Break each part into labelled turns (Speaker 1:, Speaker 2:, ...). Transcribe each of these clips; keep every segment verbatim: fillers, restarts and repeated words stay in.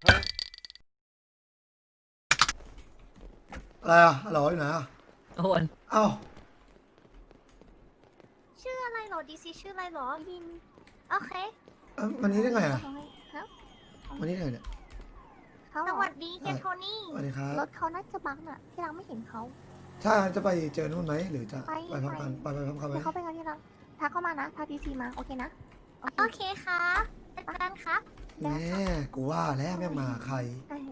Speaker 1: อะไรอ่ะฮัลโหลอยู่ไหนอ่ะ
Speaker 2: โอน
Speaker 1: เอ้า
Speaker 3: ชื่ออะไรเหรอดีซีชื่ออะไรเหรอยินโอเค
Speaker 1: เอ้าวันนี้ได้ไงอ่ะ
Speaker 3: ครับ
Speaker 1: วันนี้ได้ไงเนี่ย
Speaker 3: สวัสดีเจโทนี่
Speaker 1: สวัสดีครับ
Speaker 3: รถเขาน่าจะบังน่ะที่รังไม่เห็นเขา
Speaker 1: ใช่จะไปเจอนู่นไหมหรือจะ
Speaker 3: ไป
Speaker 1: ไปพร้อมกันไปไปพร้อมกันไหม
Speaker 3: เดี๋ยวเขาไปกันที่รังทักเข้ามานะทักดีซีมาโอเคนะโอเคค่ะเจอกันครับ
Speaker 1: แม่กูว่าแล้วแม่งมาใคร
Speaker 3: เออ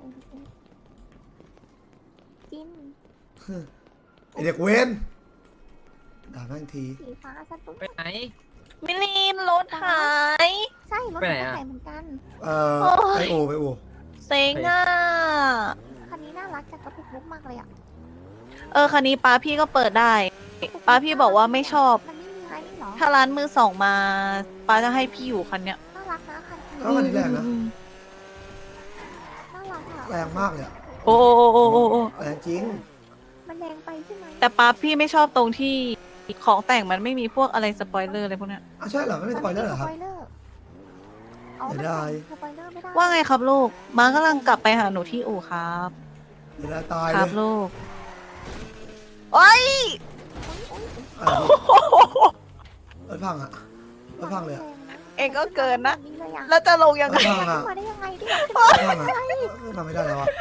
Speaker 3: จิน
Speaker 1: ไอเด็กเว้นด่าแม่งที
Speaker 3: สีฟ้าสตุ๊ก
Speaker 2: ไปไหน
Speaker 4: มิลินรถหาย
Speaker 3: ใช่รถ
Speaker 2: ไปไหน
Speaker 3: เขา
Speaker 2: อะ
Speaker 3: ใส่เหมือนกัน
Speaker 1: เอ่อไปอูไปอู
Speaker 4: เซ็งอ่ะ
Speaker 3: คันนี้น่ารักจังกระปุกลุกมากเลยอ่ะ
Speaker 4: เออคันนี้ป้าพี่ก็เปิดได้ป้าพี่บอกว่าไม่ชอบ
Speaker 3: มันไม่มีไฮเหรอ
Speaker 4: ถ้าร้านมือสองมาป้าจะให้พี่อยู่คันเนี้ย
Speaker 3: น่ารักนะคันนี้
Speaker 1: แล้วคันนี้แรงนะ
Speaker 4: อืม
Speaker 3: น่ารักอ่ะ
Speaker 1: แรงมากเลยอะ
Speaker 4: โอ้โอ้โอ้โอ้โอ้
Speaker 1: แรงจริง
Speaker 3: มันแรงไปใช่ไหม
Speaker 4: แต่ป้าพี่ไม่ชอบตรงที่ของแต่งมันไม่มีพวกอะไรสปอยเลอร์อะไรพวกเนี้ย
Speaker 1: อ่ะใช่เหรอไม่เป็นสปอยเลอร์เหรอครับ
Speaker 3: สปอยเลอร์อ๋อ
Speaker 1: ไม่
Speaker 3: มัน
Speaker 1: ได้
Speaker 3: ใส่สปอยเลอร์ไม่ได้
Speaker 4: ว่าไงครับลูกม้ากำลังกลับไปหาหนูที่อู่ครับ
Speaker 1: เดี๋ยวตาย
Speaker 4: ค
Speaker 1: เล
Speaker 4: รับ
Speaker 1: ย
Speaker 4: ลูกโอ้ย
Speaker 1: อะไรรถพังอ่ะรถพังเลยอะ
Speaker 4: เองก็เกินนะ
Speaker 3: นี่เลยอะ
Speaker 4: แล้วจะลงยัง
Speaker 1: ร
Speaker 4: ไง
Speaker 1: ถพังอ่ะ
Speaker 3: มาได้ยังไงที่
Speaker 1: รถพังอ่ะทำไม่ได้แล้วอ่ะ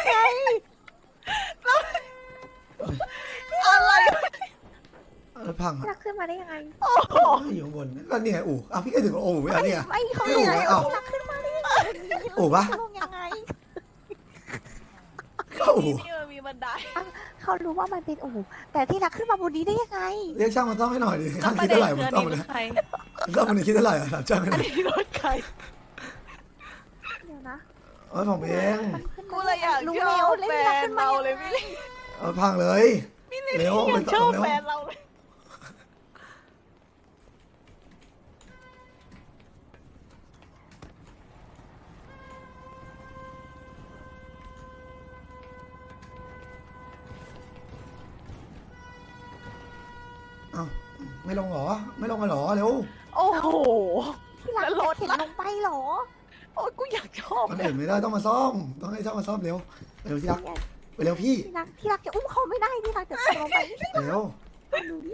Speaker 4: อะไร
Speaker 1: รถพังอ่ะ
Speaker 3: รักขึ้นมาได้ยังไง
Speaker 1: อยู่ข้างบนก็นี่ไงอู่อ้าวพี่ก็ถึงโอ้ไม่เอาเนี่ย
Speaker 3: ไม่เขา
Speaker 1: ไม่อู่
Speaker 3: ไง
Speaker 1: วะอ้าว
Speaker 3: รักขึ้นมาได้ยังไง
Speaker 1: อู่ปะ
Speaker 3: ลงยังไง
Speaker 1: ก็อู่
Speaker 4: นี่มันมีบันได
Speaker 3: เขารู้ว่ามันเป็นอู่แต่ที่รักขึ้นมาบนนี้ได้ยังไง
Speaker 1: เรียกช่างมาซ่อมให้หน่อยดิ
Speaker 4: แล้
Speaker 1: ช่าว ง
Speaker 4: ประ
Speaker 1: คิด
Speaker 4: เด็น
Speaker 1: เท่าไหร่ผ
Speaker 4: คือ
Speaker 1: ม
Speaker 4: อัน
Speaker 1: ซ่อม
Speaker 4: นี้
Speaker 1: มา
Speaker 4: ร
Speaker 1: เนี่ย
Speaker 4: ถใคร
Speaker 1: ซ่อมมันคิดเท่าไหร่อ่ะถามช่างให้ห
Speaker 4: อั
Speaker 1: น่
Speaker 4: น
Speaker 1: อย
Speaker 4: นี้รถใคร
Speaker 3: เดี๋ยวนะ
Speaker 1: เออผมเอง
Speaker 3: มันขึ้น
Speaker 4: กูเลยอยาก
Speaker 3: รู้
Speaker 4: ช
Speaker 3: แล้
Speaker 4: อ
Speaker 3: ว
Speaker 4: บ
Speaker 3: เล่น
Speaker 4: แฟ
Speaker 3: รัก
Speaker 4: น
Speaker 3: ขึ้นมา
Speaker 4: เรา
Speaker 3: ยัง
Speaker 4: เลย
Speaker 3: ไง
Speaker 4: พี่ลิ
Speaker 1: เอาพังเลยเร็ว
Speaker 4: อยา
Speaker 1: ไม่
Speaker 4: ก
Speaker 1: ต้
Speaker 4: ช
Speaker 1: อ
Speaker 4: อง บ
Speaker 1: เร็ว
Speaker 4: แฟนเราเลย
Speaker 1: เอ้าไม่ลงเหรอไม่ลงกันเหรอเร็ว
Speaker 4: โอ้โห
Speaker 3: ที่รัก
Speaker 4: แล้วรถ
Speaker 3: เห็น
Speaker 4: ล่ะ
Speaker 3: ลงไปเหรอ
Speaker 4: โอ้ยกูอยากชอบ
Speaker 1: มันเห็นไม่ได้ต้องมาซ่อมต้องให้ช่างมาซ่อมเร็วเร็วที่รักไปเร็วพี่
Speaker 3: ที่รักที่รักจะอุ้มเขาไม่ได้ที่รักจะตกลงไป
Speaker 1: เร็ว
Speaker 3: ดูนี่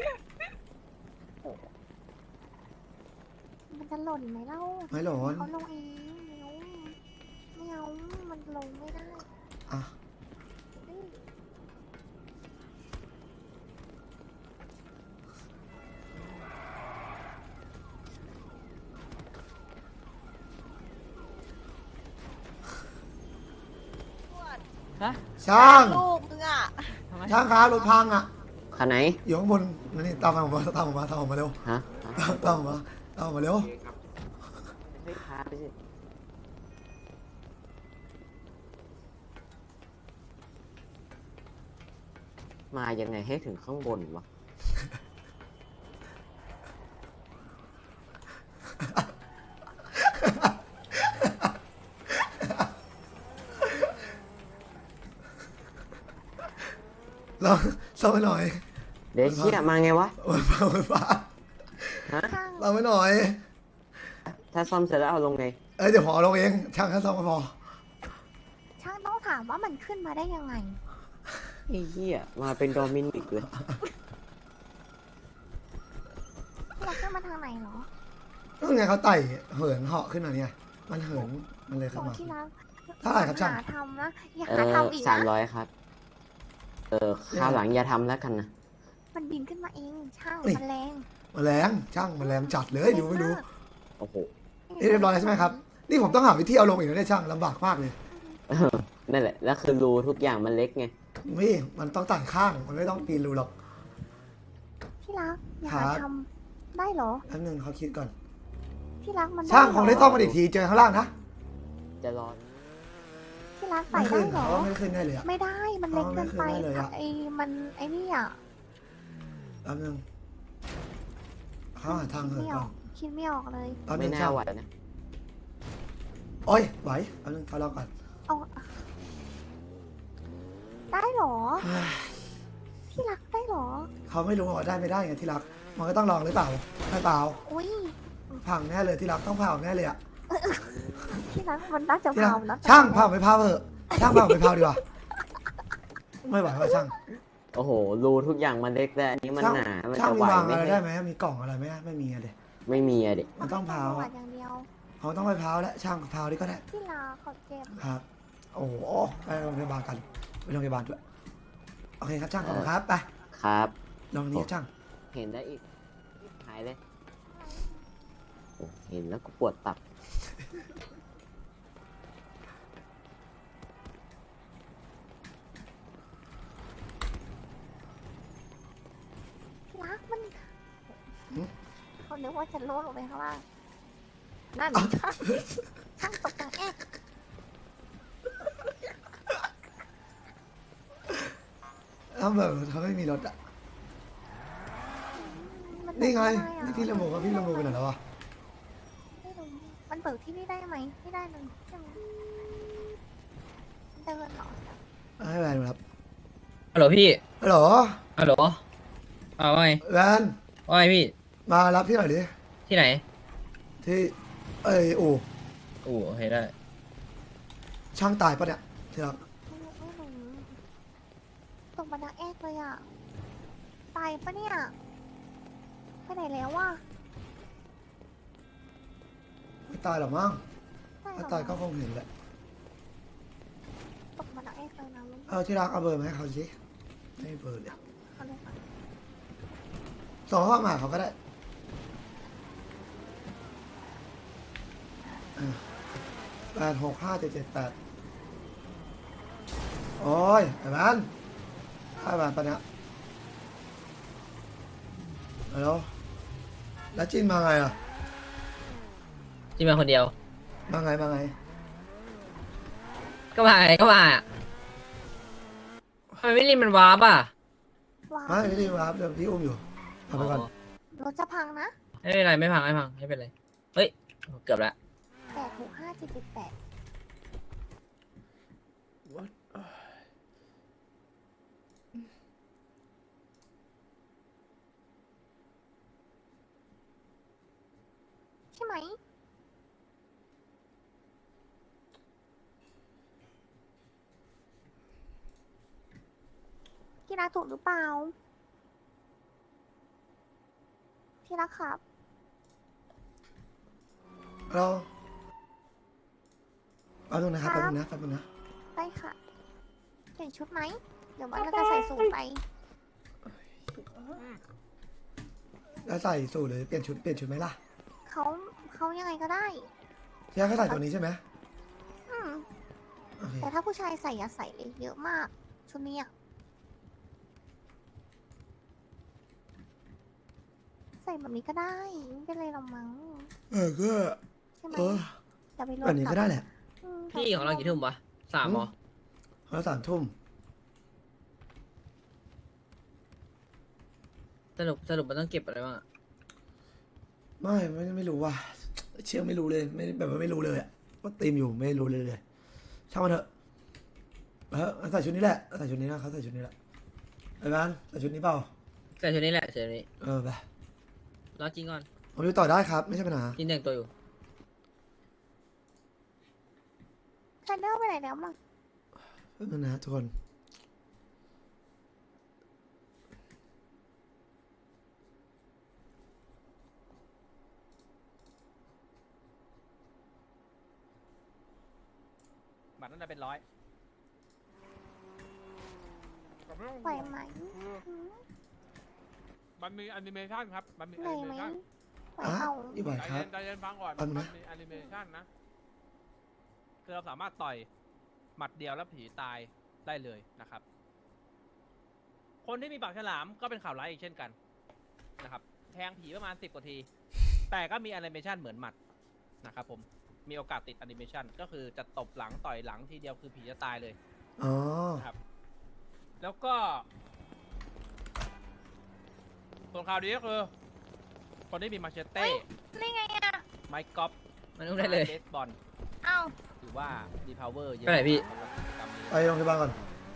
Speaker 3: มันจะหล่นไหมเล่า
Speaker 1: ไม่หลอน
Speaker 3: เขาลงเองไม่เอามันลงไม่ได้
Speaker 1: อ่ะ
Speaker 3: เอ้ย
Speaker 2: ฮะ
Speaker 1: ช่าง
Speaker 4: ลูกมึงอ่ะ
Speaker 2: ทำไม
Speaker 1: ช่างครับรถพังอ่ะ
Speaker 5: คันไหน
Speaker 1: อยู่ข้างบนนี่ตามมาผมมาตามผมมาตามผมมาเร็ว
Speaker 5: ฮะ
Speaker 1: ตามผมมาตามผมมาเร็ว
Speaker 5: ไม่พาไปสิ มายังไงให้ถึงข้างบนวะ
Speaker 1: เราซ่อมไปหน่อย
Speaker 5: เดี๋ยวเชี่ยมาไงวะ
Speaker 1: มันฟ้ามันฟ้า
Speaker 5: ฮะ
Speaker 3: ช่าง
Speaker 1: เราไปหน่อย
Speaker 5: ถ้าซ่อมเสร็จแล้วเอาลงไง
Speaker 1: เอ้ยเดี๋ยวพอลงเองช่างแค่ซ่อมก็พอ
Speaker 3: ช่างต้องถามว่ามันขึ้นมาได้ยังไง
Speaker 5: ไอ้เหี้ย มาเป็นโดมินิกเลย
Speaker 3: ที่รักขึ้นมาทางไหนเหรอ
Speaker 1: ก็ไงเขาไต่เหินเหาะขึ้นมาเนี่ยมันเหินมันเลย
Speaker 3: ข
Speaker 1: เข้า
Speaker 3: อง
Speaker 1: มา
Speaker 3: ที่รัก
Speaker 1: เท่าไหร่ครับช่าง
Speaker 3: หาทำนะอย่า
Speaker 5: เอ
Speaker 3: หา
Speaker 5: อ
Speaker 3: ทำอีก
Speaker 5: สาม
Speaker 3: นะ
Speaker 5: ร้อยครับ เออข้าวหลังอย่าทำแล้วกันนะ
Speaker 3: มันบินขึ้นมาเองช่าง
Speaker 1: นี่
Speaker 3: มันแรง
Speaker 1: แมลงช่างแมลงจัดเลยดูไม่ดู
Speaker 5: โอ้โห
Speaker 1: นี่เรียบร้อยแล้วใช่ไหมครับนี่ผมต้องหาวิธีเอาลงอีกนะเนี่ยช่างลำบากมากเลย
Speaker 5: เออนั่นแหละ แล้วคือรูทุกอย่างมันเล็กไง
Speaker 1: นี่มันต้องตัดข้างมันไม่ต้องปีนรูหรอก
Speaker 3: ที่รักอย่า
Speaker 1: ครั
Speaker 3: หา
Speaker 1: บ
Speaker 3: ทำได้เหรอ
Speaker 1: แป๊บนึงเขาคิดก่อน
Speaker 3: ที่รักมัน
Speaker 1: ช่างคงได้
Speaker 3: เหร
Speaker 1: ซ่อมมาอีกทีเจอข้างล่างนะ
Speaker 5: จะรอ
Speaker 3: ที่รัก
Speaker 1: ไม่
Speaker 3: ใส่
Speaker 1: ขึ้
Speaker 3: ได้
Speaker 1: น
Speaker 3: เหรอ
Speaker 1: เขาว่าไม่ขึ้นแน่เลยอะ
Speaker 3: ไม่ได้มันเล็กเกินไป
Speaker 1: เอาไม่ขึ้นได้เลยอะ
Speaker 3: ไอ้มันไอ้นี่อ่ะ
Speaker 1: แป๊บนึงเขาหาทางเหิน
Speaker 3: ไม่อ
Speaker 1: ก่อ
Speaker 3: อน กคิดไม่ออกเลย
Speaker 1: แป๊บนึ
Speaker 5: ไม่
Speaker 1: ง
Speaker 5: น่า
Speaker 1: ช่าง
Speaker 5: ไหวนะ
Speaker 1: โอ้ยไหวแป๊บนึงเขารอก่อน
Speaker 3: เอาได้เหรอ ที่รักได้เหรอ
Speaker 1: เขาไม่รู้ว่าได้ไม่ได้ไงที่รัก มันก็ต้องลองหรือเปล่าไม่เปล่า
Speaker 3: อุ้ย
Speaker 1: พังแน่เลยที่รักต้องเผาแน่เลยอะ
Speaker 3: ที่รักมันน่าจะ
Speaker 1: ที่รัก
Speaker 3: เผานะ
Speaker 1: ช่างเผาไปเผาเถอะช่างเผาไปเผาดีกว่าไม่ไหวว่าช่าง
Speaker 5: โอ้โห รูทุกอย่างมันเล็กแต่อันนี้มัน
Speaker 1: ช่าง
Speaker 5: หนา มัน
Speaker 1: ช่าง
Speaker 5: จะ
Speaker 1: มี
Speaker 5: ไหว
Speaker 1: วาง
Speaker 5: ไหม
Speaker 1: อะไรได้ไหมมีกล่องอะไรไหมไม่มีอะเด็
Speaker 5: ไม่มีอะเด็ก
Speaker 1: มันต้องเผา
Speaker 3: หวา
Speaker 1: อะ
Speaker 3: นอย่างเดียว
Speaker 1: เขาต้องไปเผาแล้วช่างเผาดีก็ได้
Speaker 3: ที่รักเขาเจ็บ
Speaker 1: ครับโอ้โหไปโรงพยาบาลกันไปโรงพยาบาลด้วยโอเคครับช่างขอบคุณครับไป
Speaker 5: ครับ
Speaker 1: ลองนี้ช่าง
Speaker 5: เห็นได้อีก หายเลยโอ้เห็นแล้วก็ปวดตับ
Speaker 3: ที่รักมัน
Speaker 1: หืม
Speaker 3: เขานึกว่าจะโลดลงไปข้างล่างนั่นช่างช่างตกแต่งแอก
Speaker 1: ถ้าแบบเขาไม่มีรถอ่ะ
Speaker 3: มัน
Speaker 1: นี่ไง
Speaker 3: เบิกม่ด้อะ
Speaker 1: นี่พี่ละโมกับพี่ละโมไปไหนแล้ววะ
Speaker 3: ไม่รู้มันเบิกที่นี่ได้ไหมไม่ได้เลยใช่ไหมเดินเหรอ
Speaker 1: ให้แวนมารับ
Speaker 6: ฮัลโหลพี่
Speaker 1: ฮัลโหล
Speaker 6: ฮัลโหลอ้าวว่าไง
Speaker 1: แวน
Speaker 6: ว่าไงพี่
Speaker 1: มารับที่ไหนอยดิ
Speaker 6: ที่ไหน
Speaker 1: ที่เอ้ยอู่
Speaker 6: โอ้โอเคได้
Speaker 1: ช่างตายปะเนี่ยที่รัก
Speaker 3: ไม่รู้ไม่รู้ตกบันไดแอกเลยอ่ะตายปะเนี่ยไปไหนแล้ววะ
Speaker 1: ไม่ตายหรอกมั้ง
Speaker 3: ตายเหร
Speaker 1: ถ้า
Speaker 3: อ
Speaker 1: ตายก็คงเห็นแหละ
Speaker 3: ตกบันไดแอกเลยนะมัน
Speaker 1: เอาที่รักเอาเบอร์มาให้เขาสิให้เบอร์เดี๋ยว
Speaker 3: เขาเลยค่ะ
Speaker 1: ส่งข้อความมาหาเขาก็ได้แปดหกห้าเจ็ดเจ็ดแปดโอ้ยไอ้บ้านไอ้บ้านปะเนี่ยฮัลโหลแล้วจินมาไงอ่ะ
Speaker 6: ที่มาคนเดียว
Speaker 1: มาไงมาไง
Speaker 6: ก็มาไงก็มาอะทำไมไม่รีบมันวาร์ปอ่ะ
Speaker 3: ว้าว
Speaker 1: ไม่ไม่ได้มาครับเดี๋ยวพี่อุ้มอยู่เอาไปก่อน
Speaker 3: รถจะพังนะ
Speaker 6: ไม่เป็นไรไม่พังไม่พังไม่เป็นไร เฮ้ย เกือบละ
Speaker 3: แปดหกห้าเจ็ดเจ็ดแปดใช่ไหมที่รักถูกหรือเปล่าที่รักครับ
Speaker 1: เราเอาตรงนะครับแป๊บนึงนะแป๊บนึงนะ
Speaker 3: ได้ค่ะเปลี่ยนชุดไหม เดี๋ยวมันก็จะใส่สูทไป
Speaker 1: แล้วใส่สูทหรือเปลี่ยนชุดเปลี่ยนชุดไหมล่ะ
Speaker 3: เขาเขายังไงก็ได้
Speaker 1: ที่รักเขาใส่ตัวนี้ใช่ไหม
Speaker 3: อืม
Speaker 1: โอเค
Speaker 3: แต่ถ้าผู้ชายใส่อย่าใส่เลยเยอะมาก ชุดนี้อะใส่แบบนี้ก็ได้ไม่เป็นไรหรอกมั้ง
Speaker 1: เออก็
Speaker 3: ใช่ไหม
Speaker 1: เออ
Speaker 3: อย่าไปล
Speaker 1: แบบนี้ก็ได้แหละ
Speaker 3: อืม
Speaker 6: พี่ของเรากี่ทุ่มวะสามเหรอ
Speaker 1: เขาสามทุ่ม
Speaker 6: สรุปสรุปมันต้องเก็บอะไรบ้างอะ
Speaker 1: ไม่ไม่ไม่รู้ว่า เชื่อไม่รู้เลยไม่แบบว่าไม่รู้เลยอะว่าตีมอยู่ไม่รู้เลยเลยช่างมันเถอะเออใส่ชุดนี้แหละใส่ชุดนี้นะเขาใส่ชุดนี้แหละไอ้บ้านใส่ชุดนี้เปล่า
Speaker 6: ใส่ชุดนี้แหละใส่ชุดนี้
Speaker 1: เออไป
Speaker 6: รอจริงก่อน
Speaker 1: ผมอยู่ต่อได้ครับ ไม่ใช่ปัญหา
Speaker 6: จินแต่งตัวอยู่
Speaker 3: ใครเดินไปไหนแล้วมั้ง
Speaker 1: แป๊บนึงนะทุกคน
Speaker 7: บัตรน่าจะเป็นร้อย
Speaker 3: ไหวไหมอืม
Speaker 7: มันมีแอนิเมชันครับ มันมี
Speaker 3: ไห
Speaker 7: แอ
Speaker 3: ว
Speaker 7: นิ
Speaker 3: ไห
Speaker 7: เม
Speaker 3: ม
Speaker 7: ชัน
Speaker 3: ไหว
Speaker 1: อ่ะ
Speaker 3: เอา
Speaker 1: อีกไหว
Speaker 7: ใจ
Speaker 1: ครั
Speaker 7: เย็
Speaker 1: บ
Speaker 7: นใจเย็นฟังก่อน
Speaker 1: แป๊บนึ
Speaker 7: มั
Speaker 1: ง
Speaker 7: น
Speaker 1: นะ
Speaker 7: มีแอนิเมชันนะ คือเราสามารถต่อยหมัดเดียวแล้วผีตายได้เลยนะครับ คนที่มีปากฉลามก็เป็นข่าวร้ายอีกเช่นกันนะครับ แทงผีประมาณสิบกว่าที แต่ก็มีแอนิเมชันเหมือนหมัดนะครับผม มีโอกาสติดแอนิเมชันก็คือจะตบหลังต่อยหลังทีเดียวคือผีจะตายเลย
Speaker 1: อ๋อ
Speaker 7: นะครับ แล้วก็ส่วนข่าวดีก็คือ คนที่มีมาเชเต้
Speaker 3: นี่ไงอ่ะ
Speaker 7: ไม้กอล์ฟ
Speaker 6: มันอุ้มได้เลย
Speaker 7: เบสบอล
Speaker 3: เอ้า
Speaker 7: หรือว่าดีพาวเวอร์เยอะ
Speaker 6: ไปไหนพี่
Speaker 7: สำหรับกิจกรรมนี้
Speaker 1: ไปโรงพยาบาลก่อน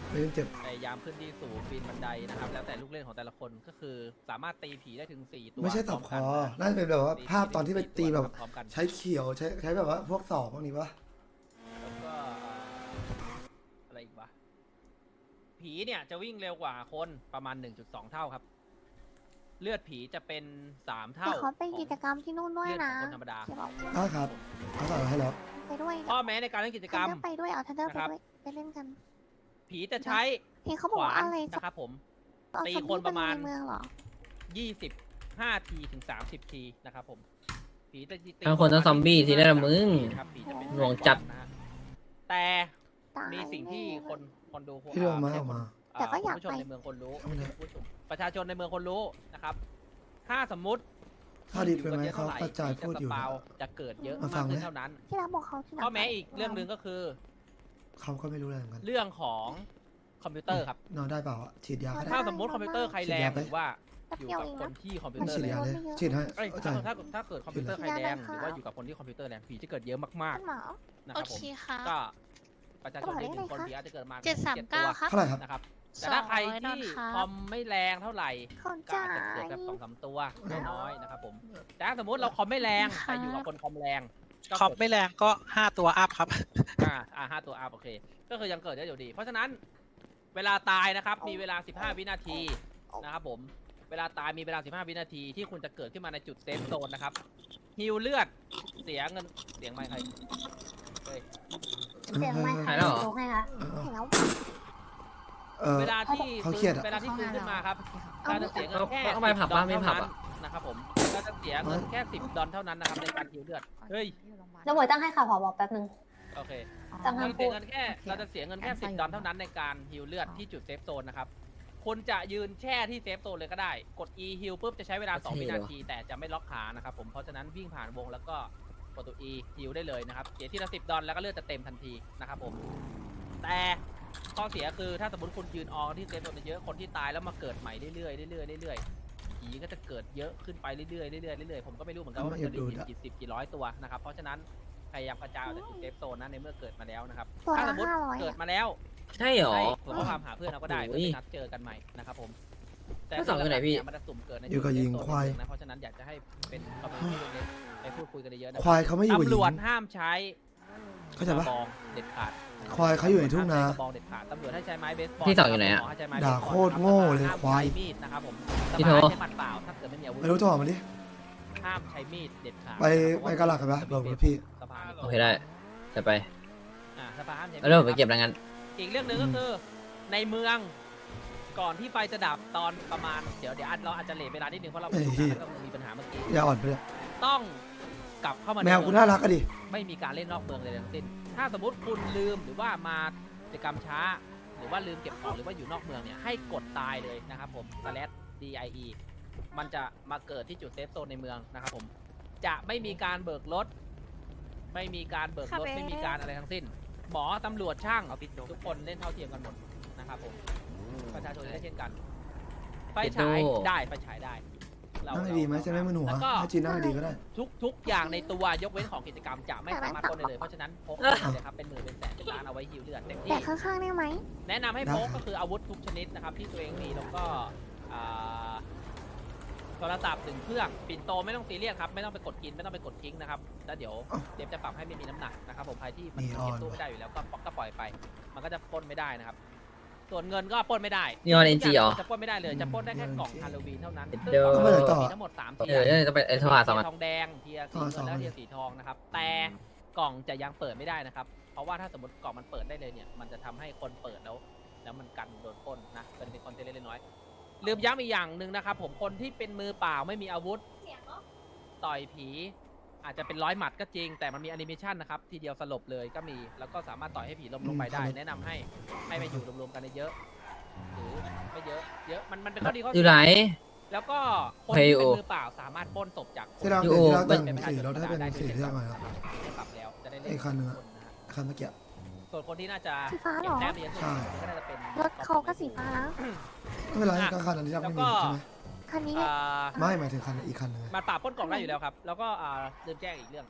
Speaker 1: ไม่ต้องเจ็บ
Speaker 7: พยายามขึ้นที่สูงปีนบันไดนะครับแล้วแต่ลูกเล่นของแต่ละคนก็คือสามารถตีผีได้ถึงสี่ตัว
Speaker 1: ไม่ใช่ตบคอน่าจะเป็นแบบว่าภาพตอนที่ไปตีแบบ
Speaker 7: พร้อมกัน
Speaker 1: ใช้เขียวใช้ใช้แบบว่าพวกศอกพวกนี้ปะ
Speaker 7: แล้วก็อะไรอีกวะผีเนี่ยจะวิ่งเร็วกว่าคนประมาณ หนึ่งจุดสอง เท่าครับ เลือดผีจะเป็นสาม
Speaker 3: แต่
Speaker 7: เท่า
Speaker 3: เขาไปกิจกรรมที่นู่นด้วย
Speaker 7: เลือดข
Speaker 3: นะ
Speaker 7: องคนธรรมดา
Speaker 3: เดี๋ยวบอก
Speaker 1: ได้ครับเขาใส่มาให้แล้ว
Speaker 3: ไปด้วย
Speaker 7: ข้อแม้ในการเล่นกิจกรรม
Speaker 3: ทันเดอร์ไปด้วยเอาทันเดอร์ไป
Speaker 7: นะครับ
Speaker 3: ด้วยไปเล่นกัน
Speaker 7: ผีจะใช้
Speaker 3: เห็นเขาบอก
Speaker 7: ขวา
Speaker 3: ว่าน อะไร
Speaker 7: นะครับผม
Speaker 3: เอา
Speaker 7: ตี
Speaker 3: ซอม
Speaker 7: คน
Speaker 3: บี้
Speaker 7: ประมาณ
Speaker 3: ในเมืองเหรอ
Speaker 7: ยี่สิบห้าทีถึงสามสิบทีนะครับผมผีจะตี
Speaker 6: ทั้งคนทั้งซอมบี้ทีได้ละมึง
Speaker 7: ครับผีจะเป็น
Speaker 6: หน่วงจัด
Speaker 7: นะฮะแต่
Speaker 3: ตาย
Speaker 7: มีสิ่งที่
Speaker 3: แน่
Speaker 7: คนคนดู
Speaker 1: พี่เรื่องมา
Speaker 7: ไใช่
Speaker 1: ออกมา
Speaker 7: คน
Speaker 3: แต่ก็อยาก
Speaker 7: ผู้ชม
Speaker 3: ไป
Speaker 7: ในเมืองคนรู้
Speaker 1: เอามาเลย
Speaker 7: ผู้ชมประชาชนในเมืองคนรู้นะครับ ถ้าสมมุติ
Speaker 1: ถ้าดีไปไหม
Speaker 7: อยู่
Speaker 1: เขา
Speaker 7: บ
Speaker 1: กระจายพูดอยู่
Speaker 7: จะสปาวจะเกิดเยอะ
Speaker 1: มาฟั
Speaker 7: มาก
Speaker 1: ง
Speaker 7: ขึ้น
Speaker 1: ไหม
Speaker 7: เท่านั้น
Speaker 3: ที่รักบอกเขาที่รัก
Speaker 7: ข้อแม้อีกเรื่องหนึ่งก็คือ
Speaker 1: เขาก็ไม่รู้อะไรเหมือนกัน
Speaker 7: เรื่องของคอมพิวเตอร์ครับ
Speaker 1: นอนได้เปล่าอะฉีดยาก็ได้
Speaker 7: ถ้าสมมติคอมพิวเตอร์ใครแรงหรือว่า
Speaker 3: แป๊บ
Speaker 7: อยู่
Speaker 3: เดียว
Speaker 7: กับ
Speaker 3: เอง
Speaker 7: ค
Speaker 3: นะ
Speaker 7: นที่คอมพิว
Speaker 1: ไม่
Speaker 7: เตอ
Speaker 1: ฉี
Speaker 7: ร์
Speaker 1: ด
Speaker 7: แร
Speaker 1: ยาง เลยฉีดให้
Speaker 7: เอ้ย
Speaker 1: เข้าใจ
Speaker 7: ถ้าถ้าถ้าเกิดคอมพิวเตอร์ใครแรงหรือว่าอยู่กับคนที่คอมพิวเตอร์แรงผีจะเกิดเยอะมาก
Speaker 3: ท่านหมอ
Speaker 7: ๆนะค
Speaker 2: โอ
Speaker 7: รับผ
Speaker 2: เค
Speaker 7: ม
Speaker 2: ค่ะ
Speaker 7: ก็ประชาชนในหนึ่งคน
Speaker 3: กระเป๋าเลขอะไรคะ
Speaker 7: ผีอาจจะเกิดมา
Speaker 2: เจ็ดสาม
Speaker 7: จ็
Speaker 2: เก้า
Speaker 7: ตัว
Speaker 2: ครับ
Speaker 1: เท่าไหร่ครับ
Speaker 7: นะครับแต่ถ้าใคร
Speaker 2: สองร้อยดอ
Speaker 7: ที่
Speaker 2: ลครับ
Speaker 7: คอมไม่แรงเท่าไหร่
Speaker 3: เขา
Speaker 7: ก็
Speaker 3: จ่า
Speaker 7: อาจจะเกิด
Speaker 3: ย
Speaker 7: แบบสองสามตัวน้อยๆนะครับผมแต่ถ้าสมมติเราคอมไม่แรงแต่อยู่กับคนคอมแรงก็
Speaker 8: คอม
Speaker 7: เกิด
Speaker 8: ไม่แรงก็ห้าตัวอัพครับ
Speaker 7: อ่าอ่าห้าตัวอัพโอเค ก็คือยังเกิดได้อยู่ดี เพราะฉะนั้นเวลาตายนะครับ มีเวลา สิบห้า วินาทีนะครับผม เวลาตายมีเวลา สิบห้า วินาทีที่คุณจะเกิดขึ้นมาในจุดเซฟโซนนะครับฮิวเลือดเสียเงินเสียงไม่ใครเฮ้ย
Speaker 3: เสียงไม่
Speaker 6: หายแล้วเหรอ
Speaker 3: ให้ค่ะเห็นแล้ว
Speaker 1: เออ
Speaker 7: เวลาที่
Speaker 1: เขาเครียดอะ
Speaker 7: เวลาที่ฟื้นขึ้นมาครับ
Speaker 3: เอา
Speaker 7: เราจะเสียเงินแค่
Speaker 6: เอาไปผับบ้างไม่ผับอะ
Speaker 7: นะครับผมเราจะเสียเงินแค่สิบดอลเท่านั้นนะครับในการฮิวเลือดเฮ้ย
Speaker 3: แล้วหมวยตั้งให้ข่าวผอบอกแป๊บนึง
Speaker 7: โอเค
Speaker 3: ตั้ง
Speaker 7: เรา
Speaker 3: ห้าม
Speaker 7: เสี
Speaker 3: พู
Speaker 7: ย
Speaker 3: ด
Speaker 7: เงินแค่เราจะเสียเงินแค่สิบดอลเท่านั้นในการฮิวเลือดที่จุดเซฟโซนนะครับคุณจะยืนแช่ที่เซฟโซนเลยก็ได้ กด E ฮิวปุ๊บจะใช้เวลาสอง
Speaker 6: เท่
Speaker 7: วิ
Speaker 6: เล
Speaker 7: นา
Speaker 6: ยวะ
Speaker 7: ที แต่จะไม่ล็อกขานะครับผมเพราะฉะนั้นวิ่งผ่านวงแล้วก็กดตัว E ฮิวได้เลยนะครับเสียทีละสิบดอลแล้วก็เลือดจะเต็มทันทีนะครับผมแต่ข้อเสียคือถ้าสมมติคุณยืนออที่เซฟโซนเยอะคนที่ตายแล้วมาเกิดใหม่เรื่อยๆเรื่อยๆเรื่อยๆผีก็จะเกิดเยอะขึ้นไปเรื่อยๆเรื่อยๆเรื่อยๆผมก็ไม่รู้เหมือนกันว่ามันจะมีกี่สิบกี่ร้อยตัวนะครับเพราะฉะนั้นพยายามกระจายออกจากจุดเซฟโซนนะในเมื่อเกิดมาแล้วนะครับ
Speaker 3: ตัว
Speaker 7: ถ้าส
Speaker 3: ละ
Speaker 7: มมติ
Speaker 3: ห้าร้อย
Speaker 7: เกิดมาแล้ว
Speaker 6: ใช่เหรอ
Speaker 7: ให้ส่งข้อความหาเพื่อนเราก็ได้
Speaker 6: โอ้
Speaker 7: เพื่
Speaker 6: ย
Speaker 7: อไปนัดเจอกันใหม่นะครับผม แต่
Speaker 6: แล้วสองอยู่ไหนพี่
Speaker 7: มันจะสุ่มเกิดใน
Speaker 1: อยู่กับหญิง
Speaker 7: จุด
Speaker 1: ควาย
Speaker 7: นะเพราะฉะนั้นอยากจะให้เป็นคอมเมนต์เล็กๆไปพูดคุยกันเยอะๆนะ
Speaker 1: ควายเขาไม่อยู่กับห
Speaker 7: ตำร
Speaker 1: ญิ
Speaker 7: วจ
Speaker 1: ง
Speaker 7: ห้ามใช้
Speaker 1: เข้าใจปะ
Speaker 7: กระบองเด็ดขาด
Speaker 1: ควายเขาอยู่ในทุ่งนา
Speaker 7: กระบองเด็ดขาดตำรวจให้ใช้ไม้เบสบอล
Speaker 6: พี่สองอยู่ไหนอะ
Speaker 7: มให้ใช้ไม้
Speaker 1: ด่า
Speaker 7: เบสบอล
Speaker 1: โคตรโง่เลย
Speaker 7: ห้าม
Speaker 1: ควาย
Speaker 7: ใช้มีดนะครับผม
Speaker 6: พี่
Speaker 7: ส
Speaker 6: โท
Speaker 7: บายใช้หมัดเปล่าถ้าเกิดไม่มีอาวุธ
Speaker 1: ไม่รู้จะออกมาดิ
Speaker 7: ห้ามใช้มีดเด็ดขาด
Speaker 1: ไปไปกะหลักกันปะบอกกับพี่
Speaker 7: สภา
Speaker 6: โอเคได้จะไป
Speaker 7: อ่าสภาห้ามใช้มีด
Speaker 6: แล้วเดี๋ยวผมไปเก็บรายงาน
Speaker 7: อีกเรื่องหนึ่งก็คือในเมืองก่อนที่ไฟจะดับตอนประมาณเดี๋ยวเดี๋ยวเราอาจจะเลทเวลานิดนึงเพราะเราไปดูหนังแล้วก็มีปัญหาเมื่อกี้
Speaker 1: อย่าอ่อนไปเลย
Speaker 7: ต้องกลับเข้ามาใน
Speaker 1: แมวกู
Speaker 7: เมือง
Speaker 1: น่ารักอะดิ
Speaker 7: ไม่มีการเล่นนอกเมืองเลยทั้งสิ้นถ้าสมมติคุณลืมหรือว่ามากิจกรรมช้า หรือว่าลืมเก็บของหรือว่าอยู่นอกเมืองเนี่ยให้กดตายเลยนะครับผม slash die มันจะมาเกิดที่จุดเซฟโซนในเมืองนะครับผมจะไม่มีการเบิกรถไม่มีการเบิกรถไม่มีการอะไรทั้งสิ้น หมอตำรวจช่างทุกคนเล่นเท่าเทียมกันหมดนะครับผมประชาชนได้เช่นกันไฟฉายได้ไฟฉายได้เรา
Speaker 1: นั่งดีไหมจะไม่มึนหัว
Speaker 7: แล้วก็
Speaker 1: ถ้าจีนนั่งดีก็ได้
Speaker 7: ทุกทุกอย่างในตัวยกเว้นของกิจกรรมจะไม่สามารถปล้นได้เลยเพราะฉะนั้นพกไปเลยครับเป็นหมื่นเป็นแสนเป็นล้านเอาไว้ฮิวเลือดเต็ม
Speaker 3: แต่
Speaker 7: ที่
Speaker 3: ข้างๆได้ไหม
Speaker 7: แนะนำให้
Speaker 1: ได้
Speaker 7: พกก็คืออาวุธทุกชนิดนะครับที่ตัวเองมีแล้วก็อ่าโทรศัพท์หนึ่งเครื่องปิ่นโตไม่ต้องซีเรียสครับไม่ต้องไปกดกินไม่ต้องไปกดทิ้งนะครับแล้วเดี๋ยวเดี๋ยวจะปรับให้ไม่มีน้ำหนักนะครับผมใครที่มัน
Speaker 1: นีออน
Speaker 7: เก็บตู้ไม่ได้อยู่แล้วก็ก็ปล่อยไป มันก็จะปล้นไม่ได้นะครับ ส่วนเงินก็ปล้นไม่ได้
Speaker 6: นีออนเอ็นจีเหรอ
Speaker 7: จะปล้นไม่ได้เลยจะปล้นได้แค่กล่องฮาโลวีนเท่านั้น
Speaker 6: เดี๋ยว
Speaker 7: ซึ่งกล่อง
Speaker 1: ต้องไปไหนต่อ
Speaker 7: มีทั้งหมดสามเที
Speaker 6: เอย อ
Speaker 7: ร์
Speaker 6: จะไปไอ้โทรหาสองอัน
Speaker 7: ทองแดงเทียร์สี
Speaker 1: อ่าสอง
Speaker 7: เงิน
Speaker 1: อั
Speaker 7: และ
Speaker 1: น
Speaker 7: เทียร์สีทองนะครับ แต่กล่องจะยังเปิดไม่ได้นะครับ เพราะว่าถ้าสมมติกล่องมันเปิดได้เลยเนี่ย มันจะทำให้คนเปิดแล้ว แล้วมันกันโดนปล้นนะเป็นเป็นคอนเทนต์เล็กๆน้อยๆลืมย้ำอีกอย่างหนึ่งนะครับผมคนที่เป็นมือเปล่าไม่มีอาวุธ ต่อยผีอาจจะเป็นร้อยหมัดก็จริง แต่มันมีแอนิเมชันนะครับทีเดียวสลบเลยก็มีแล้วก็สามารถต่อยให้ผีล้มลงไปได้
Speaker 1: อืม
Speaker 7: แนะนำให้ให้ไปอยู่รวมๆกันเยอะๆหรือไม่เยอะเยอะมันมันเป็นข้อดีข้อ
Speaker 6: อยู่ไหน
Speaker 7: แล้วก็คน
Speaker 6: เฮ้ย
Speaker 7: ที่
Speaker 6: โอ
Speaker 7: เป็นมือเปล่าสามารถปล้นศพจากคน
Speaker 1: ที่เรา
Speaker 6: อยู่
Speaker 1: ที่เราแต่ง
Speaker 7: เป็นประชา
Speaker 1: สี
Speaker 7: ชน
Speaker 1: เราได้เป็นสีที่ยังไงครับ
Speaker 7: ปรับแล้วจะได้เล่น
Speaker 1: ไอ้คันหนึ่งอะ
Speaker 7: คนะฮะ
Speaker 1: คันเมื่อกี้
Speaker 7: ส่วนคนที่น่าจะ
Speaker 3: สีฟ้าเหรอ
Speaker 7: เก็บแต้มเยอะสุด
Speaker 1: ใช่
Speaker 7: ก็น่าจะเป็น
Speaker 3: รถเขาก็สีฟ้านะ
Speaker 1: ไม่เป็นไรก็คันอันนี้ยังไม่มีใช่ไหม
Speaker 3: คันนี้
Speaker 7: อ่า
Speaker 1: ไม่หมายถึงคันอีกคันหนึงไง
Speaker 7: มันปราบปล้นกล่องได้อยู่แล้วครับ แล้วก็อ่าลืมแจ้งอีกเรื่อง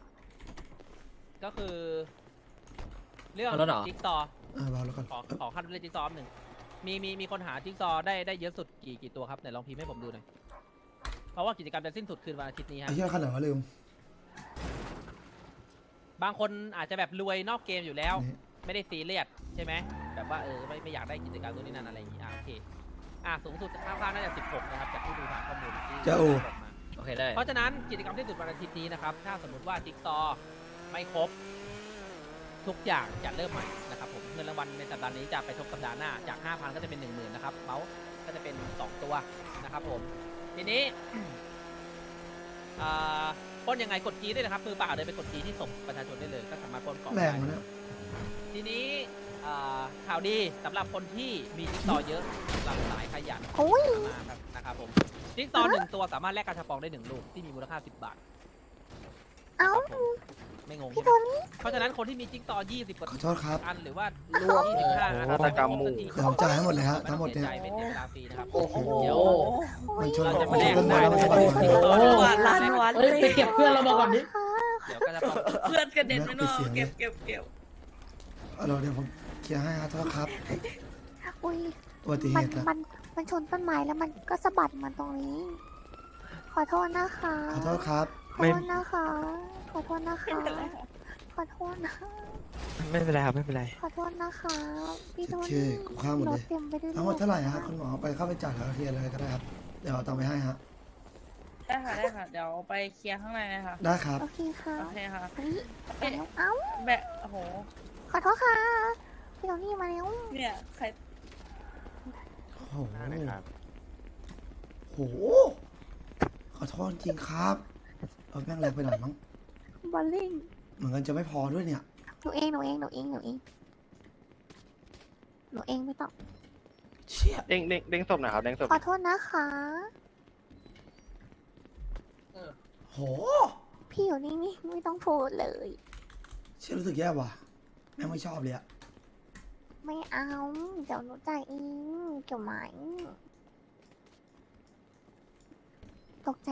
Speaker 7: ก็คือ เรื่อง
Speaker 6: เอารถเหรอ
Speaker 7: จิ๊กซอว์
Speaker 1: เออรอแล้วก่อน
Speaker 7: ขอขอขั้นเรื่องจิ๊กซอว์หนึ่งมีมีมีคนหาจิ๊กซอว์ได้ได้เยอะสุดกี่กี่ตัวครับไหนลองพิมพ์ให้ผมดูหน่อยเพราะว่ากิจกรรมจะสิ้นสุดคืนวันอาทิตย์นี้
Speaker 1: ไอ้
Speaker 7: ฮะ
Speaker 1: เหี้ยขนาดว่าลืม
Speaker 7: บางคนอาจจะแบบรวยนอกเกมอยู่แล้ว
Speaker 1: นี่
Speaker 7: ไม่ได้ซีเรียสใช่ไหมแบบว่าเออไม่ไม่อยากได้กิจกรรมตัวนี้นั่นอะไรอย่างงี้อ่ะโอเคอ่ะสูงสุดค่าค่าน่าจะสิบหกนะครับจากที่ดูทางข้อมูลที่
Speaker 1: เจ้าอู
Speaker 7: บอกมา
Speaker 6: โอเคได้
Speaker 7: เพราะฉะนั้นกิจกรรมที่สุดวันอาทิตย์นี้นะครับถ้าสมมติว่าจิ๊กซอว์ไม่ครบทุกอย่างจะเริ่มใหม่นะครับผมเงินรางวัลในสัปดาห์นี้จะไปทบสัปดาห์หน้าจาก ห้าพัน ก็จะเป็น หนึ่งหมื่น นะครับเมาส์ก็จะเป็น สอง ตัวนะครับผมทีนี้ อ่าปล้นยังไงกดจีได้นะครับมือเปล่าเลยไปกดจีที่ส่งประชาชนได้เลยก็สามารถปล้นกล่อง
Speaker 1: แร
Speaker 7: ได้
Speaker 1: งวะเนี่ย
Speaker 7: ทีนี้อ่าข่าวดีสำหรับคนที่มีจิ๊กซอว์เยอะสำหรับสายขยัน
Speaker 3: โอ้ย
Speaker 7: มากครับนะครับผมจิ๊กซอว์หนึ่งตัวสามารถแลกกระชับปองได้หนึ่งลูกที่มีมูลค่าสิบบาท
Speaker 3: เอ้า
Speaker 7: ครับผมไม่งง
Speaker 3: พี่
Speaker 7: ใช่
Speaker 3: โท
Speaker 7: ไหม
Speaker 3: นี่
Speaker 7: เพราะฉะนั้นคนที่มีจิ๊กซอว์ยี่สิบกว่า
Speaker 1: ขอโทษครับ
Speaker 7: อันหรือว่ารวมยี่สิบห้าอัน
Speaker 6: โอ้โห
Speaker 7: แต่ไม่ครบสักที
Speaker 1: เดี๋ยวผมจ่ายให้หมดเลยฮะทั้งหมดเนี่ย
Speaker 7: ไต้องสีใจไม่เสียเวลาฟรีนะครับ
Speaker 6: โอ้โห
Speaker 7: เดี๋ยว
Speaker 1: มันชน
Speaker 7: เรา
Speaker 1: ข
Speaker 7: จะ
Speaker 1: อง
Speaker 7: มาแลก
Speaker 1: ต้นไม้
Speaker 7: ได้
Speaker 1: แล้วมัน
Speaker 7: นะ
Speaker 1: สะบัดหัว
Speaker 2: โอ้หวานล้านวัน
Speaker 9: เฮ้ยไปเก็บเพื่อนเรามาก่อนดิ
Speaker 7: เดี๋ยวก็จะปอง
Speaker 2: เพื่อนกระเด็นไปเนอะ
Speaker 1: เสียงเลย
Speaker 2: เก็บเก็บเก็บ
Speaker 1: เอาเดี๋ยวผมเคลียร์ให้ครับโทษครับ
Speaker 3: อุ้ย
Speaker 1: อุบัติเห
Speaker 3: มัน
Speaker 1: ตุนะ
Speaker 3: มันมันชนต้นไม้แล้วมันก็สะบัดมาตรงนี้ ขอโทษนะคะ
Speaker 1: ขอโทษครับ
Speaker 3: ขอโทษนะคะ ขอโทษนะคะ ขอโทษนะ
Speaker 9: ไม่เป็นไรครับไม่เป็นไร
Speaker 3: ขอโทษนะคะพี่โท
Speaker 1: โอเค
Speaker 3: นี่
Speaker 1: กูข้ามหมด
Speaker 3: ร
Speaker 1: เล
Speaker 3: ถ
Speaker 1: ย
Speaker 3: เต็มไปด้วย
Speaker 1: ทั้งหมดเท่าไหร่ฮะคุณหมอไปเข้าไปจ่ายแล้วเคลียร์เลยก็ได้ครับเดี๋ยวเอาตังค์ไปให้ฮะ
Speaker 2: ได้ค่ะได้ค่ะ เดี๋ยวไปเคลียร์ข้างในนะคะ
Speaker 1: ได้ครับ
Speaker 3: โอเคค่ะ
Speaker 2: โอเคค่ะ
Speaker 3: เฮ้ยมาแล้วเอ้า
Speaker 2: แบะโอ้โห
Speaker 3: ขอโทษค่ะ พี่โทนี่มาแล้ว
Speaker 2: เนี่ยใคร
Speaker 1: โอ้โหโอ้โหขอโทษจริงครับเอาแม่งแรงไปหน่อยมั้ง
Speaker 3: บอลลิง
Speaker 1: เหมือนกันจะไม่พอด้วยเนี่ย
Speaker 3: หนูเองหนูเองหนูเองหนูเองหนูเองไม่ต้อง
Speaker 1: เชี่ย
Speaker 9: เด้งเด้งเด้งศพหน่อยครับเด้งศพ
Speaker 3: ขอโทษนะคะ
Speaker 1: โห
Speaker 3: พี่อยู่นิ่งๆไม่ต้องพูดเลย
Speaker 1: เชี่ยรู้สึกแย่ว่ะแม่งไม่ชอบเลยอะ
Speaker 3: ไม่เอา เดี๋ยวหนูจ่ายเองเกี่ยวไหมตกใจ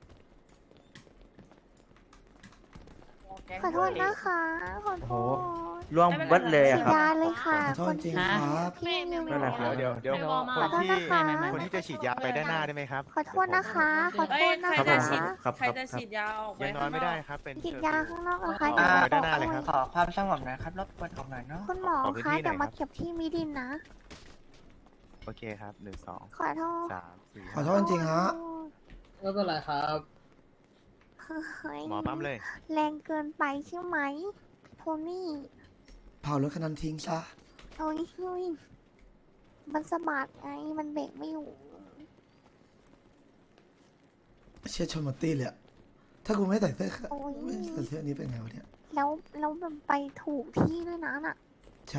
Speaker 3: ขอโทษนะคะ ขอโทษ
Speaker 9: ร่วงเบิดเลยอะ
Speaker 3: ฉีด
Speaker 9: ครับ
Speaker 3: ยาเลยค่ะ
Speaker 1: ขอโทษจริงครับ
Speaker 3: พี่ลืม
Speaker 9: นั่นแหละครับ
Speaker 10: เดี๋ยวเดี๋ยว
Speaker 3: ขอโทษนะคะ
Speaker 10: คนที่จะฉีดยาไปด้านหน้าได้ไหมครับ
Speaker 3: ขอโทษนะคะ ขอโท
Speaker 2: เอ้ย
Speaker 3: ษนะ
Speaker 2: ใคร
Speaker 3: คะ
Speaker 2: จะฉีด
Speaker 9: ครับ
Speaker 2: ใครจะฉีดยาออกไป
Speaker 10: ยังนอนไม่ได้ครับ เป็น
Speaker 3: ฉีดยาข้างนอกเหรอคะ
Speaker 10: อ่า
Speaker 3: เดี๋ยว
Speaker 10: ไปด้านหน้าเลยครับ
Speaker 9: ขอความสงบหน่อยครับรบกวนออกหน่อยเนาะ
Speaker 3: คุณหมอ
Speaker 10: ขอพื้น
Speaker 3: คะ
Speaker 10: ที่หน่อย
Speaker 3: เดี๋ยวมา
Speaker 10: ครับ
Speaker 3: เก็บที่มิดินนะ
Speaker 10: โอเคครับหนึ่งสอง
Speaker 3: ขอโทษ
Speaker 10: สามสี่
Speaker 1: ขอโทษจริงฮะ
Speaker 8: ไม่เป็นไรครับ
Speaker 3: เฮ้ย
Speaker 10: หมอปั๊มเลย
Speaker 3: แรงเกินไปใช่ไหมพี่โทนี่
Speaker 1: เผารถคันนั้นทิ้งซะ
Speaker 3: โอ้ยเฮ้ยมันสะบัดไง มันเบรกไม่อยู่
Speaker 1: เชี่ยชนหมดตี้เลยอะถ้ากูไม่ใส่เสื้อ
Speaker 3: โอ้ย
Speaker 1: ไม่ใส่เสื้อนี้เป็นไงวะเนี่ย
Speaker 3: แล้วแล้วมันไปถูกที่ด้วยนะน่ะ
Speaker 1: ใช่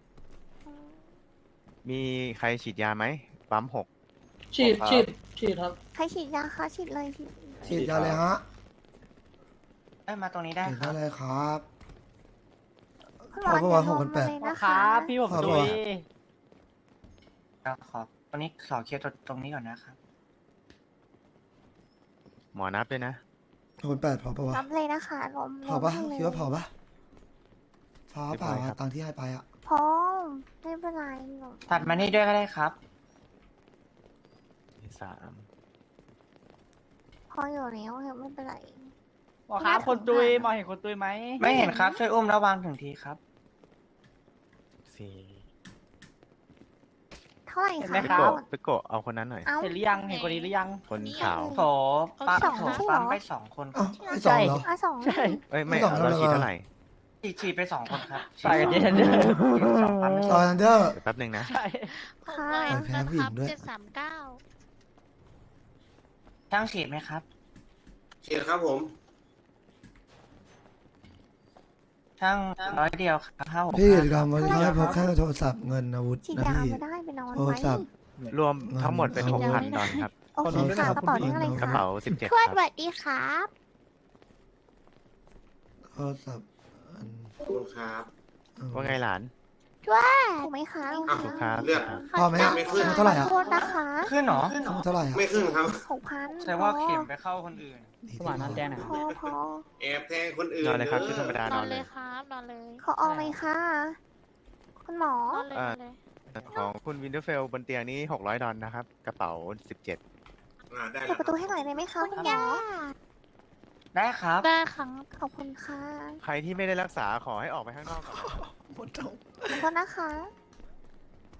Speaker 10: มีใครฉีดยาไหมปั๊มหก
Speaker 8: ฉีดฉีดฉีดครับ
Speaker 3: ใครฉีดยาคะฉีดเลยฉีด
Speaker 1: ฉีดยาเลยฮะ
Speaker 9: ได้มาตรงนี้ได้
Speaker 1: ฉีด
Speaker 9: ครั
Speaker 1: ได้
Speaker 9: บ
Speaker 1: เลยครับ
Speaker 3: คุณหมอ
Speaker 1: เอาประมาณ
Speaker 3: จะลง
Speaker 1: หกพันแป
Speaker 3: มา
Speaker 1: ด
Speaker 3: เลยนะคะ
Speaker 9: พี่ผม
Speaker 1: ขอ
Speaker 9: ตุ
Speaker 1: บอก
Speaker 9: ยขอตรงนี้ขอเคลียร์ตรงนี้ก่อนนะครับ
Speaker 10: หมอนับด้วยนะ
Speaker 1: หกพันแปดพอปะวะ
Speaker 3: รับเลยนะคะลม
Speaker 1: พอปะ
Speaker 3: ลมให้เลย
Speaker 1: คิดว่าพอปะพอเปล่า
Speaker 10: เรียบร้อยครั
Speaker 1: อะ
Speaker 10: บ
Speaker 1: ตังค์ที่ให้ไปอะ
Speaker 3: พอไม่เป็นไรหนู
Speaker 9: ตัดมานี่ด้วยก็ได้ครับ
Speaker 10: สาม
Speaker 3: พออยู่แล้วเถอะไม่เป็นไร
Speaker 9: หมอครับคนตุยหมอเห็นคนตุยไหม ไม่เห็นครับ ช่วยอุ้มระวังถึงทีครับ
Speaker 10: สี่
Speaker 3: เท่าไหร่
Speaker 9: เห็นไหม
Speaker 3: คะ
Speaker 9: ครับ
Speaker 10: ไปโกะไปโกะเอาคนนั้นหน่อย
Speaker 3: เอ้า
Speaker 9: เห็นหรือยังเห็นคนนี้หรือยัง
Speaker 10: คนขาว
Speaker 9: โถปั๊ม
Speaker 3: สอง
Speaker 9: โถ
Speaker 3: ใช่เหรอ
Speaker 9: ปั๊มไปสองคนค
Speaker 1: เอ้า
Speaker 9: รับ
Speaker 1: ไอ้สองเหรอ
Speaker 3: อ่ะสอง
Speaker 9: ใช่
Speaker 10: เอ้ยไม่
Speaker 1: ไม่ต้อง
Speaker 10: เราฉีด
Speaker 1: แล้ว
Speaker 10: เท่าไหร่
Speaker 9: ฉีดฉีดไปสองคนครับ
Speaker 8: ใส่กันเย็น
Speaker 9: ฉีดสองปั๊มไปส
Speaker 1: ต
Speaker 9: อ
Speaker 1: อง นเดอร์
Speaker 10: เดี๋ยวแป๊บหนึ่งนะ
Speaker 9: ใช่
Speaker 3: ค่ะ
Speaker 1: ใส่แพ้ผู้หญิงด้วย
Speaker 9: ช่างฉีดไหมครับ
Speaker 11: ฉีดครับผม
Speaker 9: ช่างร้อยเดียวครับห้าหก
Speaker 1: พี่
Speaker 9: ห้า
Speaker 1: กิจกรรมวันนี้ให้พกแค่โทรศัพท์เงินอาวุธ
Speaker 3: ฉีด
Speaker 1: นะ
Speaker 3: ยา
Speaker 1: พี่
Speaker 3: ไม่ได้ไปนอน
Speaker 1: โทร
Speaker 3: ไว้
Speaker 1: ศัพท์
Speaker 10: รวมทั้งหมดเป็นหกพันดอลครับ
Speaker 3: โอเคค่ะกระเป๋าเลขอะไร
Speaker 10: กระ
Speaker 3: คะ
Speaker 10: เป๋าสิบเจ็ด
Speaker 3: ทวด
Speaker 10: ค
Speaker 3: ส
Speaker 10: รับ
Speaker 3: วัสดีครับ
Speaker 1: โทรศัพท์อัน
Speaker 11: ขอบคุณครับ
Speaker 1: เอา
Speaker 10: ว่าไงหลาน
Speaker 3: ถูกไหมคะ
Speaker 11: อ่ะ
Speaker 10: ถูกครับ
Speaker 11: เลือก
Speaker 1: พอไหมอะ
Speaker 11: ไม่ขึ้น
Speaker 1: เท่าไหร่อะ
Speaker 3: ขอโทษนะคะ
Speaker 9: ขึ้นเหรอ
Speaker 1: ทั้งหมดเท่าไหร่อะ
Speaker 11: ไม่ขึ้นครับ
Speaker 3: หกพัน
Speaker 9: แต่ว่าเข็มไปเข้าคนอื่น
Speaker 1: ดี
Speaker 8: หวานน้ำแดงหน่อย
Speaker 3: พอพอ
Speaker 11: แอบแทงคนอื่น
Speaker 10: นอนเลยครับชุดธรรม
Speaker 11: เด้อ
Speaker 10: ดานอนเลย
Speaker 3: ขอออกไหมคะคุณหมอ
Speaker 10: เอ่อของคุณวินเทอร์เฟลบนเตียงนี้หกร้อยดอลนะครับ กระเป๋าสิบเจ็ด
Speaker 11: อ่าได้
Speaker 3: เปิ
Speaker 11: แล้
Speaker 3: ด
Speaker 11: ว
Speaker 3: ประตูให้หน่อยได้ไหมคะคุณหมอ
Speaker 9: ได้ครับ
Speaker 3: ได้ค่ะขอบคุณค่ะ
Speaker 10: ใครที่ไม่ได้รักษาขอให้ออกไปข้างนอกก่อน
Speaker 1: หมดท้อง
Speaker 3: ขอบคุณนะคะ